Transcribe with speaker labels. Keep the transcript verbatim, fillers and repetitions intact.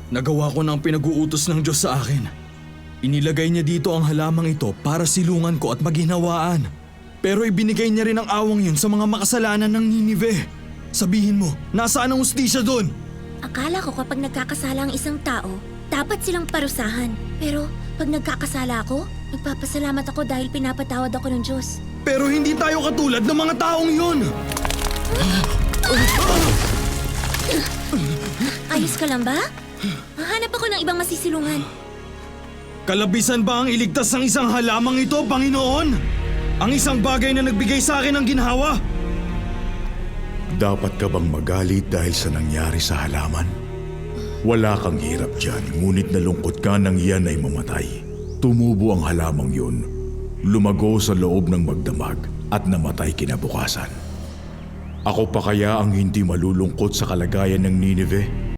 Speaker 1: Nagawa ko ng pinag-uutos ng Diyos sa akin. Inilagay niya dito ang halamang ito para silungan ko at maghinawaan. Pero ibinigay niya rin ang awang yun sa mga makasalanan ng Ninive. Sabihin mo, nasaan ang hustisya doon?
Speaker 2: Akala ko kapag nagkakasala ang isang tao, dapat silang parusahan. Pero pag nagkakasala ako, nagpapasalamat ako dahil pinapatawad ako ng Diyos.
Speaker 1: Pero hindi tayo katulad ng mga taong yun!
Speaker 2: Ayos ka lang ba? Hahanap ako ng ibang masisilungan.
Speaker 1: Kalabisan ba ang iligtas ng isang halamang ito, Panginoon? Ang isang bagay na nagbigay sa akin ng ginhawa?
Speaker 3: Dapat ka bang magalit dahil sa nangyari sa halaman? Wala kang hirap dyan, ngunit nalungkot ka nang iyan ay mamatay. Tumubo ang halamang yun, lumago sa loob ng magdamag at namatay kinabukasan. Ako pa kaya ang hindi malulungkot sa kalagayan ng Ninive?